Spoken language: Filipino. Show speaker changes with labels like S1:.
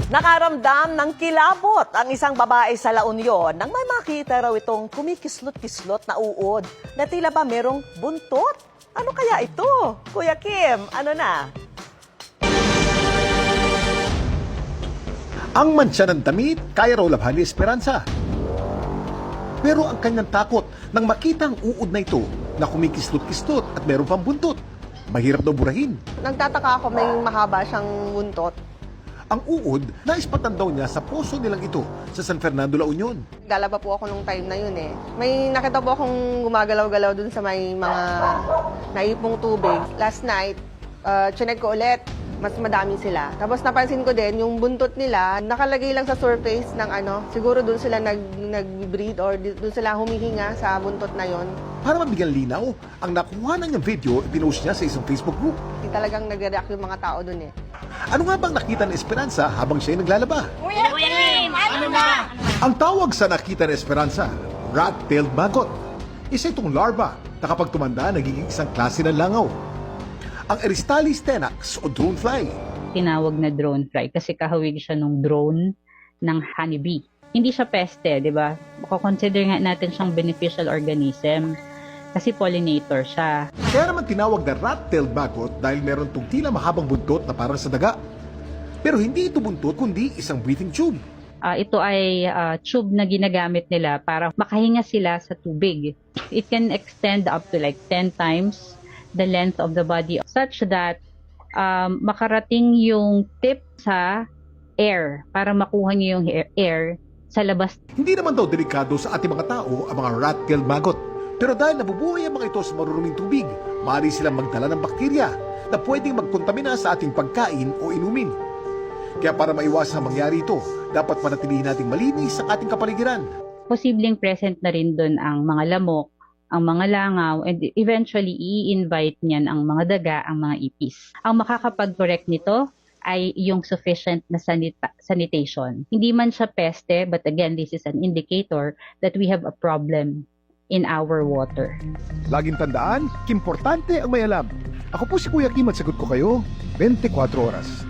S1: Nakaramdam ng kilabot ang isang babae sa La Union nang may makita raw itong kumikislot-kislot na uod na tila ba merong buntot. Ano kaya ito? Kuya Kim, ano na?
S2: Ang mantsa ng damit, kaya raw labhan ni Esperanza. Pero ang kanyang takot nang makita ang uod na ito na kumikislot-kislot at meron pang buntot. Mahirap daw burahin.
S3: Nagtataka ako may mahaba siyang buntot.
S2: Ang uod, naispatan daw niya sa poso nilang ito sa San Fernando, La Union.
S3: Galaba po ako nung time na yun eh. May nakita po akong gumagalaw-galaw dun sa may mga naipong tubig. Last night, chinek ko ulit, mas madami sila. Tapos napansin ko din, yung buntot nila, nakalagay lang sa surface ng siguro dun sila nag-breed or dun sila humihinga sa buntot na yon.
S2: Para mabigyan linaw, ang nakuha na niyang video, ipinost niya sa isang Facebook group.
S3: Talagang nag-react yung mga tao dun eh.
S2: Ano nga bang nakita ni Esperanza habang siya ay naglalaba?
S4: Kuya Kim, ano na?
S2: Ang tawag sa nakita ni Esperanza, rat-tailed maggot. Isa itong larva na kapag tumanda, nagiging isang klase ng langaw. Ang Eristalis tenax o drone fly.
S5: Tinawag na drone fly kasi kahawig siya ng drone ng honeybee. Hindi siya peste, di ba? Consider nga natin siyang beneficial organism kasi pollinator siya.
S2: Kaya naman tinawag na rat-tailed maggot dahil meron itong tila mahabang buntot na parang sa daga. Pero hindi ito buntot kundi isang breathing tube.
S5: Ito ay tube na ginagamit nila para makahinga sila sa tubig. It can extend up to like 10 times the length of the body such that makarating yung tip sa air para makuha niyo yung air sa labas.
S2: Hindi naman daw delikado sa ating mga tao ang mga rat-tailed maggot. Pero dahil nabubuhay ang mga ito sa maruruming tubig, maaari silang magdala ng bakterya na pwedeng magkontamina sa ating pagkain o inumin. Kaya para maiwasan ang mangyari ito, dapat manatilihin nating malinis ang ating kapaligiran.
S5: Posibleng present na rin doon ang mga lamok, ang mga langaw, and eventually i-invite niyan ang mga daga, ang mga ipis. Ang makakapag-correct nito ay yung sufficient na sanitation. Hindi man siya peste, but again, this is an indicator that we have a problem in our water.
S6: Laging tandaan, importante ang may alam. Ako po si Kuya Kim at sagot ko kayo 24 oras.